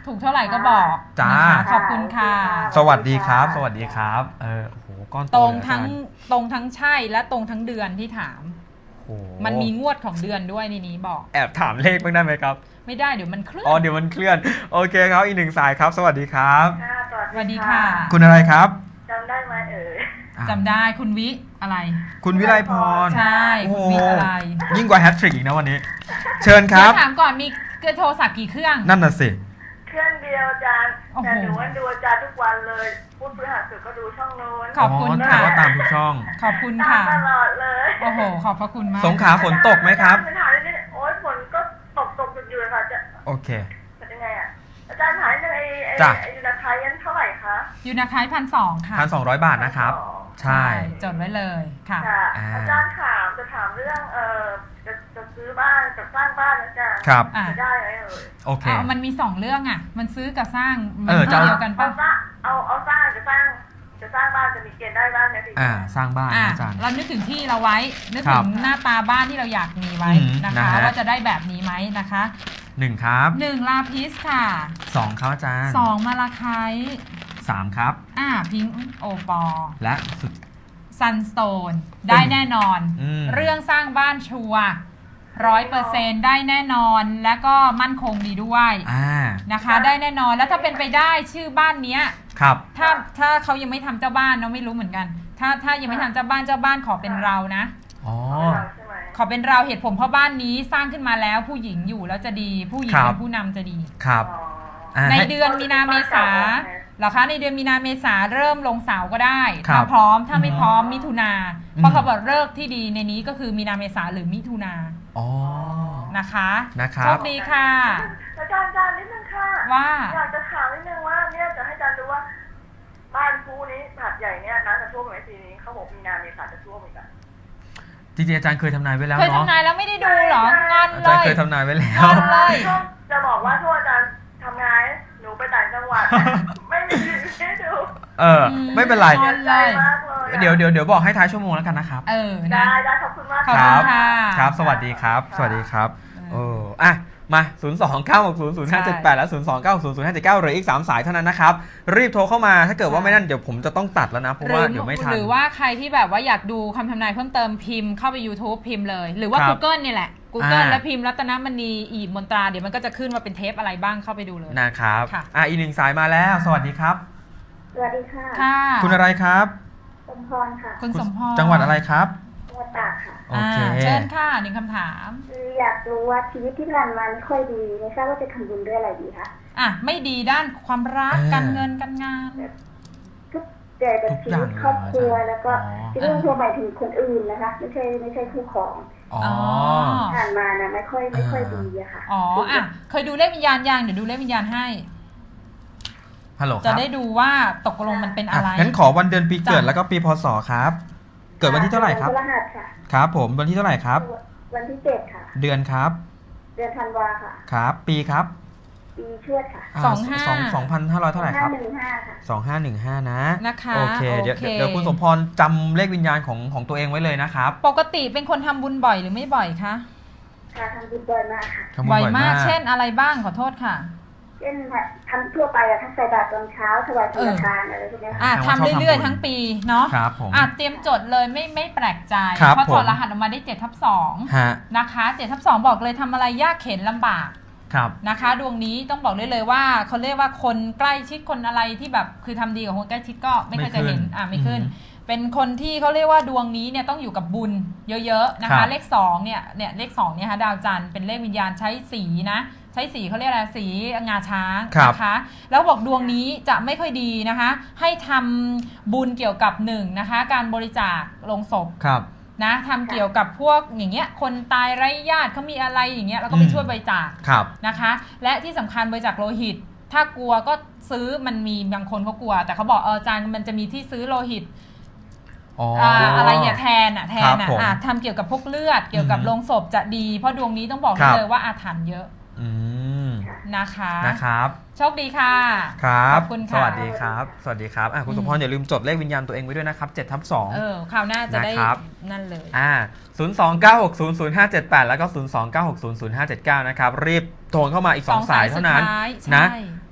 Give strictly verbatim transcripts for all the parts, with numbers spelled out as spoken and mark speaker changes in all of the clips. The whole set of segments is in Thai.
Speaker 1: ถูกเท่าไหร่ก็บอก
Speaker 2: จ้า
Speaker 1: ขอบคุณค่ะ
Speaker 2: สวัสดีครับสวัสดีครับเออโอ้โหก้อนโต
Speaker 1: ตรงทั้งตรงทั้งใช่และตรงทั้งเดือนที่ถามมันมีงวดของเดือนด้วยในนี้บอก
Speaker 2: แอบถามเลขบ้างได้ไหมครับ
Speaker 1: ไม่ได้เดี๋ยวมันเคลื่อน
Speaker 2: อ๋อเดี๋ยวมันเคลื่อนโอเคครับอีกหนึ่งสายครับสวัสดีครับ
Speaker 1: สวัสดีค่ะ
Speaker 2: คุณอะไรครับ
Speaker 3: จำได้ไหมเอ่ย
Speaker 1: จำได้คุณวิอะไร
Speaker 2: คุณวิไลพร
Speaker 1: ใช่คุณวิอะไร
Speaker 2: ยิ่งกว่าแฮตทริกอีกนะวันนี้เชิญครับ
Speaker 1: ถามก่อนมีโทรศัพท์กี่เครื่อง
Speaker 2: นั่นน่ะสิ
Speaker 3: เครื่องเดียวอาจารย์แต่หนูว่าดูอาจารย์ทุกวันเลยพูดพฤหัสสุดก็ดูช่องโน้น
Speaker 1: ขอบคุณค่ะ
Speaker 2: ก็ตามทุกช่อง
Speaker 1: ขอบคุณค่ะ
Speaker 3: ตลอดเลย
Speaker 1: โอ้โหขอบพระคุณมาก
Speaker 2: สงขลาฝนตกไหมครับ
Speaker 3: ปัญหาเรื่อยๆโอ๊ยฝนก็ตกตกอยู่เลยค่ะจะ
Speaker 2: โอเค
Speaker 3: เป็นยังไงอ่ะอาจารย์หายในไอ้ยูนาคายยันเท่าไหร่คะ
Speaker 1: ยูนาคายพันสองค่ะ
Speaker 2: พันสองร้อยบาทนะครับใช่
Speaker 1: จดไว้เลยค่ะ
Speaker 3: อาจารย์ถามจะถามเรื่องเออจะจะซื้อบ้านจะสร้างบ้านนะจ๊ะ
Speaker 2: ครับ
Speaker 3: จะได้ไหมเอ่ย
Speaker 2: โอเค
Speaker 1: มันมีสองเรื่องอ่ะมันซื้อกับสร้างมันเดียวกันป่ะ
Speaker 3: เอาเอาสร้างจะสร้างจะสร้างบ้านจะมีเกณฑ์ได้บ้างไหมพี่
Speaker 2: อ่าสร้างบ้านอาจารย์
Speaker 1: เรานึกถึงที่เราไว้นึกถึงหน้าตาบ้านที่เราอยากมีไว้นะคะว่าจะได้แบบนี้ไหมนะคะ
Speaker 2: หนึ่งครับ
Speaker 1: หนึ่งลาพิสค่ะ
Speaker 2: สองครับอาจารย์
Speaker 1: สองมาลาไค
Speaker 2: สามครับ
Speaker 1: อ่าพิงโอปอ
Speaker 2: และสุด
Speaker 1: ซันสโตนได้แน่นอนเรื่องสร้างบ้านชัวร์ร้อยเปอร์เซ็นต์ได้แน่นอนและก็มั่นคงดีด้วยนะคะได้แน่นอนแล้วถ้าเป็นไปได้ชื่อบ้านเนี้ย
Speaker 2: ครับ
Speaker 1: ถ้าถ้าเขายังไม่ทำเจ้าบ้านเราไม่รู้เหมือนกันถ้าถ้ายังไม่ทำเจ้าบ้านเจ้าบ้านขอเป็นเรานะ
Speaker 2: อ๋อ
Speaker 1: ขอเป็นเราเหตุผลเพราะบ้านนี้สร้างขึ้นมาแล้วผู้หญิงอยู่แล้วจะดีผู้หญิงเป็นผู้นำจะดี
Speaker 2: ครับ
Speaker 1: ในเดือนมีนาเมษาเหรอคะในเดือนมีนาเมษาเริ่มลงเสาก็ได้ถ้าพร้อมถ้าไม่พร้อมมิถุนาเพราะเขาบอกเลิกที่ดีในนี้ก็คือมีนาเมษาหรือมิถุนา
Speaker 2: อ๋อ
Speaker 1: นะคะ
Speaker 2: นะครับ
Speaker 1: โชคดีค่ะ
Speaker 3: อาจารย์อาจารย์นิดนึงค่ะ
Speaker 1: ว่า
Speaker 3: อยากจะถามนิดนึงว่าเนี่ยจะให้อาจารย์ดูว่าบ้านภูนี้ผัดใหญ่เนี่ยน้ำจะท่วมไหมปีนี้เขาบอกมีนาเมษาจะท่วมอีกอ่ะ
Speaker 2: จริงๆอาจารย์เคยทำนายไว้แล้ว
Speaker 1: เนาะเคยทำนายแล้วไม่ได้ดูหรองอนเลยอาจารย์
Speaker 2: เคยทำนายไว้แล้ว
Speaker 3: จะบอกว่าทั่วอาจารย์ทำงานหนูไปต่างจังหวัดไม่มีให้ดู
Speaker 2: เออไม่เป็นไรเดี๋ยวเดี๋ยวเดี๋ยวบอกให้ท้ายชั่วโมงแล้วกันนะครับ
Speaker 1: เออ
Speaker 3: ได้ได้ขอบคุณมาก
Speaker 2: ครับครับสวัสดีครับสวัสดีครับโอ้อ่ะมาศูนย์ สอง เก้า หก ศูนย์ ศูนย์ ห้า เจ็ด แปดและศูนย์ สอง เก้า หก ศูนย์ ศูนย์ ห้า เจ็ด เก้าเหลืออีกสามสายเท่านั้นนะครับรีบโทรเข้ามาถ้าเกิดว่าไม่นั่นเดี๋ยวผมจะต้องตัดแล้วนะเพราะว่าเดี๋ยวไม่ทัน
Speaker 1: หรือว่าใครที่แบบว่าอยากดูคำทำนายเพิ่มเติมพิมพ์เข้าไป YouTube พิมพ์เลยหรือว่า Google นี่แหละ Google แล้วพิมพ์รัตนมณีอีบมนตราเดี๋ยวมันก็จะขึ้นว่าเป็นเทปอะไรบ้างเข้าไปดูเลย
Speaker 2: นะครับอ่ะอีกหนึ่งสายมาแล้วสวัสดีครับ
Speaker 3: สวัสดีค่ะ
Speaker 1: ค่ะ
Speaker 2: คุณอะไรครับ
Speaker 3: สมพรค่ะ
Speaker 1: คุณสมพร
Speaker 2: จังหวัดอะไรครับ
Speaker 3: จังหวัดตากค่ะ
Speaker 2: โอเค
Speaker 1: เชิญค่ะหนึ่งคำถาม
Speaker 3: อยากรู้ว่าชีวิตที่ผ่านมาไม่ค่อยดีไม่ทราบว่าจะทำบุญด้วยอะไรดีคะ
Speaker 1: อ่ะไม่ดีด้านความรักการเงินการงาน
Speaker 3: ทุกแต่กับชีวิตครอบครัวแล้วก็ที่เรื่องทั่วไปถึงคนอื่นนะคะไม่ใช่ไม่ใช่คู่ของ
Speaker 2: อ๋อ
Speaker 3: ผ่านมานะไม่ค่อยไม่ค่อยดีอะค่ะ
Speaker 1: อ๋ออ่ะเคยดูเลขวิญญาณยังเดี๋ยวดูเลขวิญญาณให้
Speaker 2: ฮัลโหลครับ
Speaker 1: จะได้ดูว่าตกลงมันเป็นอะไร
Speaker 2: งั้นขอวันเดือนปีเกิดแล้วก็ปีพศครับเกิดวันที่เท่าไหร่ครับ
Speaker 3: วันพฤหัสค่ะ
Speaker 2: ครับผมวันที่เท่าไหร่ครับ
Speaker 3: วันที่เจ็ดค่ะ
Speaker 2: เดือนครับ
Speaker 3: เดือนธันวาค่ะ
Speaker 2: ครับปีครับ
Speaker 3: ปีเชือดค่ะ
Speaker 1: สองห้า
Speaker 2: สองพันห้าร้อยเท่าไหร่ครับ
Speaker 3: สองห้าหนึ่งห้าค่ะ
Speaker 2: สองห้าหนึ่งห้านะ
Speaker 1: นะคะ
Speaker 2: โอเคเดี๋ยวเดี๋ยวคุณสมพรจำเลขวิญญาณของของตัวเองไว้เลยนะครับ
Speaker 1: ปกติเป็นคนทำบุญบ่อยหรือไม่บ่อยคะ
Speaker 3: ค่ะทำบุญบ่อยมากค่ะ
Speaker 1: บ่อยมากเช่นอะไรบ้างขอโทษค่ะ
Speaker 3: เช่นทำทั่วไปอะทั้งใส่บาตรตอนเช้าถวายสังฆทานอะไรพวกนี้
Speaker 1: ค่ะทำเรื่อยๆทั้งปีเนาะ
Speaker 2: ครับผม
Speaker 1: อ่ะเตรียมจดเลยไม่ไม่แปลกใจเพราะถอดรหัสออกมาได้เจ็ดทับสองนะคะเจ็ดทับสองบอกเลยทำอะไรยากเข็นลำบากนะคะดวงนี้ต้องบอกได้เลยว่าเขาเรียกว่าคนใกล้ชิดคนอะไรที่แบบคือทำดีกับคนใกล้ชิดก็ไม่เคยจะเห็นอ่ะไม่ขึ้นเป็นคนที่เขาเรียกว่าดวงนี้เนี่ยต้องอยู่กับบุญเยอะๆนะคะเลขสองเนี่ยเนี่ยเลขสองเนี่ยค่ะดาวจันทร์เป็นเลขวิญญาณใช้สีนะใช้สีเขาเรียกอะไรสีงาช้างนะคะแล้วบอกดวงนี้จะไม่ค่อยดีนะคะให้ทำบุญเกี่ยวกับหนึ่งนะคะการบริจาคโลงศพนะทำเกี่ยวกับพวกอย่างเงี้ยคนตายไร้ญาติเขามีอะไรอย่างเงี้ยเราก็ไปช่วยบริจาคนะคะและที่สำคัญบริจาคโลหิตถ้ากลัวก็ซื้อมันมีบางคนเขากลัวแต่เขาบอกเอออาจารย์มันจะมีที่ซื้อโลหิตอะไรเนี่ยแทนอ่ะแทนอ่ะทำเกี่ยวกับพวกเลือดเกี่ยวกับโลงศพจะดีเพราะดวงนี้ต้องบอกเลยว่าอาถรรพ์เยอะนะคะ
Speaker 2: นะครับ
Speaker 1: โชคดีค่ะ
Speaker 2: ครับสวัสดีครับสวัสดีครับคุณสมพรอย่าลืมจดเลขวิญญาณตัวเองไว้ด้วยนะครับเจ็ดทับสอง
Speaker 1: เออคราวหน้าจะได้นั่นเลย
Speaker 2: อ่าศูนย์ สอง เก้า หก ศูนย์ ศูนย์ ห้า เจ็ด แปดแล้วก็ศูนย์ สอง เก้า หก ศูนย์ ศูนย์ ห้า เจ็ด เก้านะครับรีบโทรเข้ามาอีกสองสายเท่านั้นนะ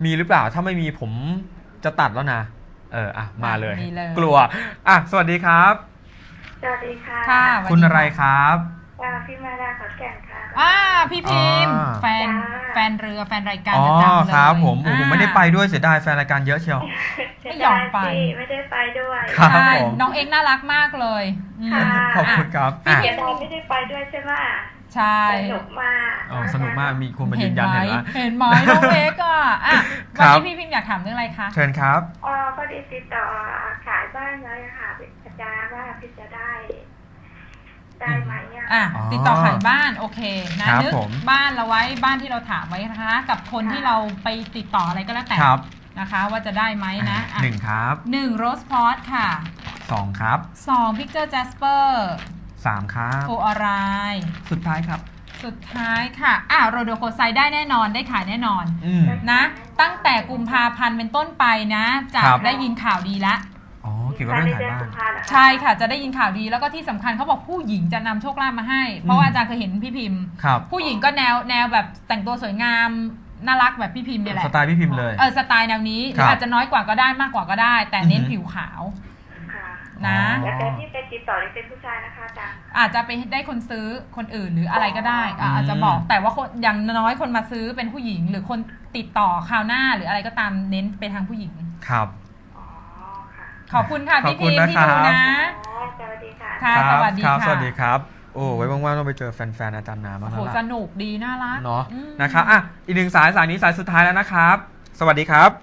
Speaker 2: มีหรือเปล่าถ้าไม่มีผมจะตัดแล้วนะเอออ่ะมาเลย
Speaker 1: มีเลย
Speaker 2: กลัวอ่ะสวัสดีครับ
Speaker 3: สวัสดีค่ะ
Speaker 1: ค่ะ
Speaker 2: คุณอะไรครับ
Speaker 3: อ่าพี่มาดาขอนแก่นค่ะ
Speaker 1: อ่าพี่พิมพ์
Speaker 2: อ่า
Speaker 1: แฟนแฟนเรือแฟนรายการ
Speaker 2: อ๋อ
Speaker 1: ประจำเลย
Speaker 2: ครับผมโอ้
Speaker 1: อ่า
Speaker 2: ผมไม่ได้ไปด้วยเสียดายแฟนรายการเยอะเชียว
Speaker 1: ไม่ยอมไป
Speaker 3: ไม่ได้ไปด้วย
Speaker 2: ครับ
Speaker 1: ใช่
Speaker 2: ผม
Speaker 1: น้องเอ็กน่ารักมากเลยอืม
Speaker 3: ค่ะ
Speaker 2: ขอบคุณครับ
Speaker 3: พี่
Speaker 2: อ่ะ
Speaker 3: เกียรติไม่ได้ไปด้วยใช่ไหม
Speaker 1: ใช่
Speaker 3: สนุกมาก
Speaker 2: อ๋อสนุกมากมีคนมายื
Speaker 1: เห็น
Speaker 2: นยัน
Speaker 1: ไหม
Speaker 2: เห็นไหม
Speaker 1: เห็นไหมน้องเอ็กอ่ะอ่ะ
Speaker 2: ค
Speaker 1: วัน
Speaker 2: รับ
Speaker 1: นี้พี่พิมพ์อยากถามเรื่องอะไรคะ
Speaker 2: เชิญครับ
Speaker 3: อ๋อพอดีติดต่อขายบ้านไว้ค่ะอาจารย์ว่าพี่จะได้ ได้ไหมอ่ะ
Speaker 1: อ่ะ
Speaker 2: อ๋อ
Speaker 1: ติดต่อขายบ้านโอเคนะครับ นึก
Speaker 2: ผม
Speaker 1: บ้านเราไว้บ้านที่เราถามไว้นะคะ กับคนที่เราไปติดต่ออะไรก็แล้วแต่
Speaker 2: ครับ
Speaker 1: นะคะ ว่าจะได้ไหมนะอ่ะ
Speaker 2: หนึ่งครับ
Speaker 1: หนึ่งโรสพอตค่ะ
Speaker 2: สองครับ
Speaker 1: สองพิกเจอร์แจสเปอร์
Speaker 2: สามครับ
Speaker 1: โฟอาราย
Speaker 2: สุดท้ายครับ
Speaker 1: สุดท้ายค่ะอ่ะโรโดโคไซได้แน่นอนได้ขายแน่นอน
Speaker 2: อืม
Speaker 1: นะตั้งแต่กุมภาพันธ์เป็นต้นไปนะจะ
Speaker 2: ครับ
Speaker 1: ได้ยินข่าวดีแล้ว
Speaker 2: อ๋อเกี่ยวกับเรื่องขายบ้าน
Speaker 1: ใช่ค่ะจะได้ยินข่าวดีแล้วก็ที่สำคัญเขาบอกผู้หญิงจะนำโชคลาภมาให้ เพราะว่าอาจารย์เคยเห็นพี่พิมพ์
Speaker 2: ครับ
Speaker 1: ผู้หญิงก็แนวแนวแบบแต่งตัวสวยงามน่ารักแบบพี่พิมพ์เนี่ยแหละ
Speaker 2: สไตล์พี่พิมพ์เลย
Speaker 1: เออสไตล์แนวนี้ห
Speaker 2: ครั
Speaker 1: รือบ อาจจะน้อยกว่าก็ได้มากกว่าก็ได้ แต่เน้น
Speaker 2: อือหือ
Speaker 1: ผิวขาว
Speaker 3: ค่ะ
Speaker 1: นะ
Speaker 2: อ๋อ
Speaker 3: แล้วแต่ที่ไปติดต่อนี่เป็นผู้ชายนะคะอาจารย์
Speaker 1: อาจจะไปได้คนซื้อคนอื่นหรืออะไรก็ได้อ่ะ
Speaker 2: อืม
Speaker 1: อาจจะบอกแต่ว่าคนอย่างน้อยคนมาซื้อเป็นผู้หญิง หรือคนติดต่อคราวหน้าหรืออะไรก็ตามเน้นไปทางผู้หญิง
Speaker 2: ครับ
Speaker 3: อ๋อค่ะ
Speaker 1: ขอบคุณค่ะ
Speaker 2: ขอบ
Speaker 1: พี่
Speaker 2: คุ
Speaker 1: พิ
Speaker 2: ณ
Speaker 1: มพ์ที่
Speaker 2: นะครับ
Speaker 1: ดูนะ
Speaker 3: อ๋อสวัสดีค่ะ
Speaker 1: ค่ะ
Speaker 2: รับ
Speaker 1: สวัสดี
Speaker 2: ครับ
Speaker 1: ค่ะ
Speaker 2: สวัสดีครับ โอ้ไว้ว่างๆต้องไปเจอแฟนๆอาจารย์นาบ้าง
Speaker 1: โอ้
Speaker 2: แล้ว
Speaker 1: โหส
Speaker 2: ล่ะ
Speaker 1: นุกดีน่ารัก
Speaker 2: เนาะ
Speaker 1: อืม
Speaker 2: นะครับอ่ะอีกหนึ่งสายสายนี้สายสุดท้ายแล้วนะครับ สวัสดีครับ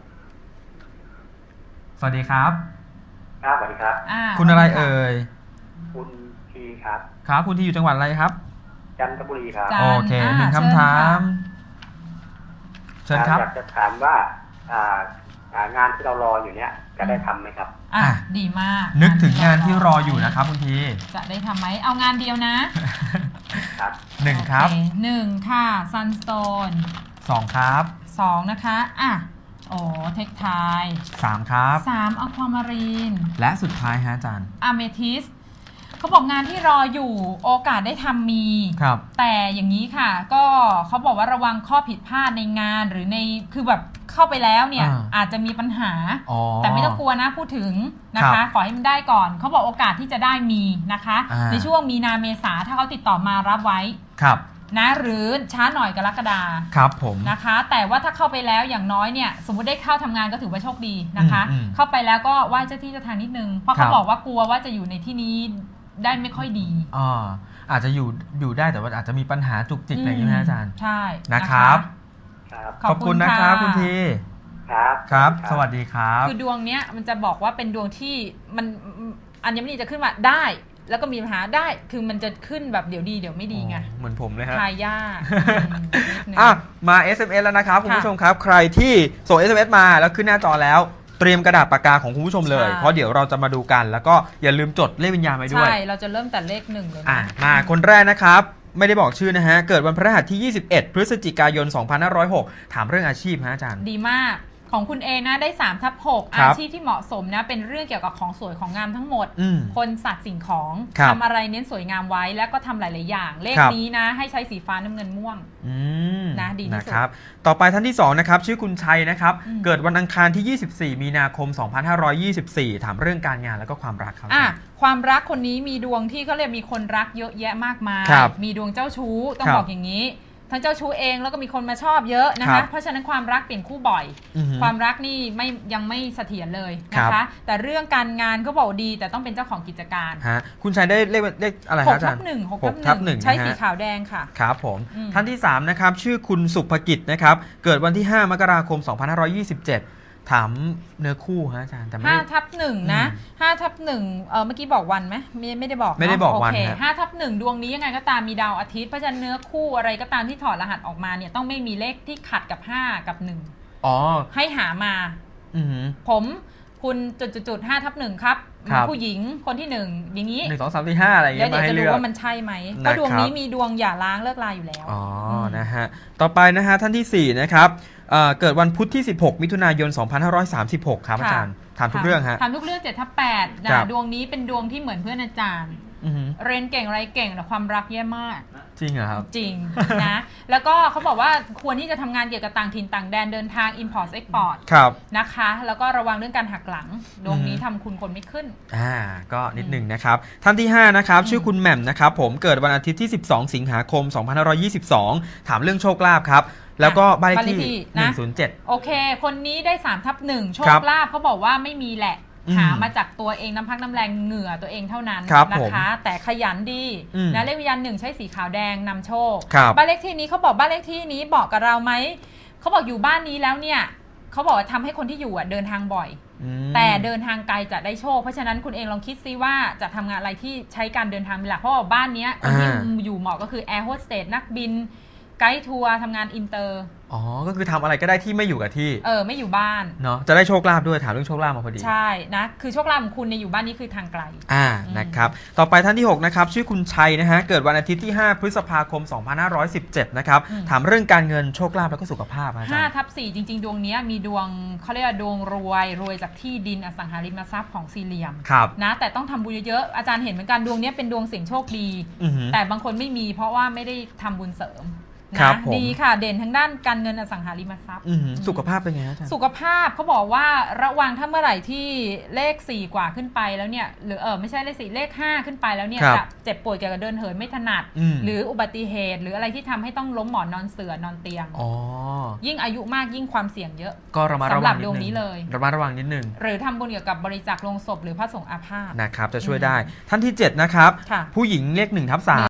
Speaker 2: สวัสดีครับ
Speaker 4: ครับสวัสดีครับ
Speaker 1: อ่า
Speaker 2: คุณอะไรเอ่ย
Speaker 4: คุณทีครับ
Speaker 2: ครับคุณที่อยู่จังหวัดอะไรครับ
Speaker 4: จันทบุรีครับ
Speaker 1: จันท
Speaker 2: โอ
Speaker 1: ร์
Speaker 2: เค
Speaker 1: อ่า
Speaker 2: หนึ่ง
Speaker 1: เชิญ
Speaker 2: คำถาม
Speaker 1: ค่ะ
Speaker 2: เชิญครับ
Speaker 4: อยากจะถามว่าอ่าอ่างานที่เรารออยู่เนี้ยจะได้ทำไหมครับ
Speaker 1: อ่ะ
Speaker 2: อ่ะ
Speaker 1: ดีมาก
Speaker 2: นึกถึงงานที่รออยู่นะครับคุณที
Speaker 1: จะได้ทำไหมเอางานเดียวนะ
Speaker 4: ครับ
Speaker 2: หนึ่งครับ
Speaker 1: โอเหนึ่งค่ะ Sunstone
Speaker 2: สองครับ
Speaker 1: สองนะคะอ่ะโอ้เทคไทย
Speaker 2: สามครับ
Speaker 1: สามอความารีน
Speaker 2: และสุดท้ายฮะอาจารย์
Speaker 1: อะเมทิสเขาบอกงานที่รออยู่โอกาสได้ทำมี
Speaker 2: ครับ
Speaker 1: แต่อย่างนี้ค่ะ ก็เขาบอกว่าระวังข้อผิดพลาดในงานหรือในคือแบบเข้าไปแล้วเนี่ย
Speaker 2: อ่า
Speaker 1: อาจจะมีปัญหา
Speaker 2: อ๋อ
Speaker 1: แต่ไม่ต้องกลัวนะพูดถึงนะ
Speaker 2: ครั
Speaker 1: คะ
Speaker 2: บ
Speaker 1: ขอให้มันได้ก่อนเขาบอกโอกาสที่จะได้มีนะคะ
Speaker 2: อ่า
Speaker 1: ในช่วงมีนาเมษาถ้าเขาติดต่อมารับไว้
Speaker 2: ครับ
Speaker 1: นะหรือช้าหน่อยกรกฎา
Speaker 2: ครับผม
Speaker 1: นะคะ แต่ว่าถ้าเข้าไปแล้วอย่างน้อยเนี่ยสมมติได้เข้าทำงานก็ถือว่าโชคดีนะคะ
Speaker 2: อืมอืม
Speaker 1: เข้าไปแล้วก็ไหว้เจ้าที่เจ้าทางนิดนึงเพราะ
Speaker 2: ครั
Speaker 1: เขา
Speaker 2: บ
Speaker 1: บอกว่ากลัวว่าจะอยู่ในที่นี้ได้ไม่ค่อยดี
Speaker 2: อ่าอาจจะอยู่อยู่ได้แต่ว่าอาจจะมีปัญหาจุกจิกอะไรอย่างนี้นะอาจารย์
Speaker 1: ใช่
Speaker 2: นะครับ
Speaker 4: ครับ
Speaker 2: ขอบคุณนะครับคุณที
Speaker 4: ครับ
Speaker 2: ครับ สวัสดีครับ
Speaker 1: คือดวงเนี้ยมันจะบอกว่าเป็นดวงที่มันอัญมณีจะขึ้นมาได้ แล้วก็มีปัญหาได้คือมันจะขึ้นแบบเดี๋ยวดีเดี๋ยวไม่ดีไง
Speaker 2: อ๋อเหมือนผมเลยฮะ
Speaker 1: ทายยากอืมนิดนึง
Speaker 2: อ่ะมา เอส เอ็ม เอส แล้วนะครับคุณผู้ชมครับ ใครที่ส่ง เอส เอ็ม เอส มาแล้วขึ้นหน้าจอแล้ว เตรียมกระดาษปากกาของคุณผู้ชมเลย
Speaker 1: ใช่
Speaker 2: เพราะเดี๋ยวเราจะมาดูกัน แล้วก็อย่าลืมจดเลขวิญญาณไว้ด้วย
Speaker 1: ใช่เราจะเริ่มแต่เลขหนึ่งเลย
Speaker 2: อ่ะ
Speaker 1: นะ
Speaker 2: มาคนแรกนะครับ ไม่ได้บอกชื่อนะฮะ เกิดวันพฤหัสที่ ยี่สิบเอ็ด พฤศจิกายน สองพันห้าร้อยหก ถามเรื่องอาชีพฮะอาจารย์
Speaker 1: ดีมากของคุณเอนะได้สามทับหก
Speaker 2: ครั
Speaker 1: อา
Speaker 2: บ
Speaker 1: ชีพที่เหมาะสมนะเป็นเรื่องเกี่ยวกับของสวยของงามทั้งหมด
Speaker 2: อืม
Speaker 1: คนสัตว์สิ่งของ
Speaker 2: ครับ
Speaker 1: ทำอะไรเน้นสวยงามไว้แล้วก็ทำหลาย ๆ อย่าง เลข
Speaker 2: ครับ
Speaker 1: นี้นะ ให้ใช้สีฟ้าน้ำเงินม่วง
Speaker 2: อืม
Speaker 1: นะดีที่สุด
Speaker 2: นะครับ ต่อไปท่านที่สองนะครับ ชื่อคุณชัยนะครับ
Speaker 1: อืม
Speaker 2: เกิดวันอังคารที่ ยี่สิบสี่ มีนาคม สองพันห้าร้อยยี่สิบสี่ ถามเรื่องการงานแล้วก็ความรักครับ
Speaker 1: อ่ะความรักคนนี้มีดวงที่เขาเรียกมีคนรักเยอะแยะมากมาย
Speaker 2: ครับ
Speaker 1: มีดวงเจ้าชู้ต้อง
Speaker 2: ครับ
Speaker 1: บอกอย่างนี้ ทั้งเจ้าชู้เองแล้วก็มีคนมาชอบเยอะนะ
Speaker 2: ครั
Speaker 1: คะ
Speaker 2: บ
Speaker 1: เพราะฉะนั้นความรักเปลี่ยนคู่บ่อย
Speaker 2: อือหือ
Speaker 1: ความรักนี่ไม่ยังไม่เสถียรเลยนะ
Speaker 2: ครั
Speaker 1: คะ
Speaker 2: บ
Speaker 1: แต่เรื่องการงานก็บอกดีแต่ต้องเป็นเจ้าของกิจการ
Speaker 2: ฮะคุณชัยได้เลขเลขอะไร
Speaker 1: ห
Speaker 2: ฮะ
Speaker 1: ก
Speaker 2: อาจา
Speaker 1: ทั
Speaker 2: ร
Speaker 1: บ
Speaker 2: ย์
Speaker 1: หนึ่งหก
Speaker 2: หกทั
Speaker 1: ทั
Speaker 2: บบ ห
Speaker 1: ห
Speaker 2: นึ่
Speaker 1: นึ่
Speaker 2: ง
Speaker 1: งใช้
Speaker 2: นะฮะ
Speaker 1: สีขาวแดงค่ะ
Speaker 2: ครับผม
Speaker 1: อืม
Speaker 2: ท่านที่สามนะครับชื่อคุณสุภกิจนะครับเกิดวันที่ ห้ามกราคม สองพันห้าร้อยยี่สิบเจ็ด ถามเนื้อคู่ฮะอาจารย์แต่ไม่
Speaker 1: ห้า
Speaker 2: ได้
Speaker 1: ทับหนึ่งนะห้าทับหนึ่งเออเมื่อกี้บอกวันไหมไม่ไม่ได้บอกเนะ
Speaker 2: ไม่ได้บอกวัน
Speaker 1: โอเค
Speaker 2: ฮะ
Speaker 1: ห้าทับหนึ่งดวงนี้ยังไงก็ตามมีดาวอาทิตย์เพราะฉะนั้นเนื้อคู่อะไรก็ตามที่ถอดรหัสออกมาเนี่ยต้องไม่มีเลขที่ขัดกับห้ากับหนึ่ง
Speaker 2: อ๋อ
Speaker 1: ให้หามา
Speaker 2: อือหือ
Speaker 1: ผมคุณจุดจุดจุดห้าทับหนึ่งครับ
Speaker 2: ครับ
Speaker 1: ผู้หญิงคนที่หนึ่งอย่างนี้
Speaker 2: หนึ่งสองสามสี่ห้าอะไรอย่าง
Speaker 1: แล้ว
Speaker 2: เงี้ย
Speaker 1: เดี๋ยว
Speaker 2: มาให้
Speaker 1: จะ
Speaker 2: เลื
Speaker 1: รู้
Speaker 2: อก
Speaker 1: ว่ามันใช่ไหมเพ
Speaker 2: นะครับ
Speaker 1: ราะดวงนี้มีดวงหย่าร้างเลิกลาอยู่แล้ว
Speaker 2: อ๋อ
Speaker 1: ม
Speaker 2: นะฮะต่อไปนะฮะท่านที่สี่นะครับเอ่อเกิดวันพุธที่ สิบหก มิถุนายน สองพันห้าร้อยสามสิบหก ครับอาจารย์ถามทุกเรื่องฮะ
Speaker 1: ถามทุกเรื่องเจ็ดทับแปด
Speaker 2: ครั
Speaker 1: นะ
Speaker 2: บ
Speaker 1: ดวงนี้เป็นดวงที่เหมือนเพื่อนอาจารย์เรียนเก่งอะไรเก่งแต่ความรักแย่มาก
Speaker 2: จริงเหรอครับ
Speaker 1: จริง นะแล้วก็เขาบอกว่าควรที่จะทำงานเกี่ยวกับต่างถิ่นต่างแดนเดินทาง import export นะคะแล้วก็ระวังเรื่องการหักหลังดวงนี้ทำคุณคนไม่ขึ้น
Speaker 2: อ่าก็นิดหนึ่งนะครับท่านที่ห้านะครับชื่อคุณแหม่มนะครับผมเกิดวันอาทิตย์ที่สิบสองสิงหาคมสองพันห้าร้อยยี่สิบสองถามเรื่องโชคลาภครับแล้วก็บ้านเลขที่หนึ่งศูนย์เจ็ด
Speaker 1: โอเคคนนี้ได้สามทับหนึ่งโชคลาภเขาบอกว่าไม่มีแหละหามาจากตัวเองน้ำพักน้ำแรงเหงื่อตัวเองเท่านั้นนะคะแต่ขยันดีนะเลขวิญญาณหนึ่งใช้สีขาวแดงนำโชคบ้านเลขที่นี้เขาบอกบ้านเลขที่นี้บอกกับเราไหมเขาบอกอยู่บ้านนี้แล้วเนี่ยเขาบอกว่าทำให้คนที่อยู่เดินทางบ่อยแต่เดินทางไกลจะได้โชคเพราะฉะนั้นคุณเองลองคิดซิว่าจะทำงานอะไรที่ใช้การเดินทางเป็นหลักเพราะว่าบ้านนี้คนที่อยู่เหมาะก็คือแอร์โฮสเตสนักบินไกด์ทัวร์ทำงานอินเตอร์
Speaker 2: อ๋อก็คือทำอะไรก็ได้ที่ไม่อยู่กับที่
Speaker 1: เออไม่อยู่บ้าน
Speaker 2: เนาะจะได้โชคลาภด้วยถามเรื่องโชคลาภมาพอดี
Speaker 1: ใช่นะคือโชคลาภของคุณในอยู่บ้านนี้คือทางไกล
Speaker 2: อ่านะครับต่อไปท่านที่หกนะครับชื่อคุณชัยนะฮะเกิดวันอาทิตย์ที่ห้าพฤษภาคมสองพันห้าร้อยสิบเจ็ดนะครับถามเรื่องการเงินโชคลาภแล้วก็สุขภาพอาจารย์
Speaker 1: ห้าทับสี่จริงๆดวงนี้มีดวงเขาเรียกว่าดวงรวยรวยจากที่ดินอสังหาริมทรัพย์ของสี่เหลี่ยมนะแต่ต้องทำบุญเยอะๆอาจารย์เห็นเหมือนกันดวงนี้เป็นดวงเสี่ยงโชคดีแต่บางคนไม่มีเพราะว่าไม่ได้ทำบุญเสริมนะดีค่ะเด่นทางด้านการเงินอสังหาริมทรัพย์
Speaker 2: สุขภาพเป็นไงอาจารย์
Speaker 1: สุขภาพเขาบอกว่าระวังถ้าเมื่อไหร่ที่เลขสี่กว่าขึ้นไปแล้วเนี่ยหรือเออไม่ใช่เลขสี่เลขห้าขึ้นไปแล้วเนี่ยจะเจ็บป่วยเกี่ยวกับเดินเหินไม่ถนัดหรืออุบัติเหตุหรืออะไรที่ทำให้ต้องล้มหมอนนอนเสื่อนอนเตียงยิ่งอายุมากยิ่งความเสี่ยงเยอะ
Speaker 2: ก็ระมัดระวัง
Speaker 1: สำหรับดวงนี้เลย
Speaker 2: ระมัดระวังนิดนึง
Speaker 1: หรือทำบุญเกี่ยวกับบริจาคโลงศพหรือพระสงฆ์อาพาธ
Speaker 2: นะครับจะช่วยได้ท่านที่เจ็ดนะครับผู้หญิงเลขหนึ่งทับสาม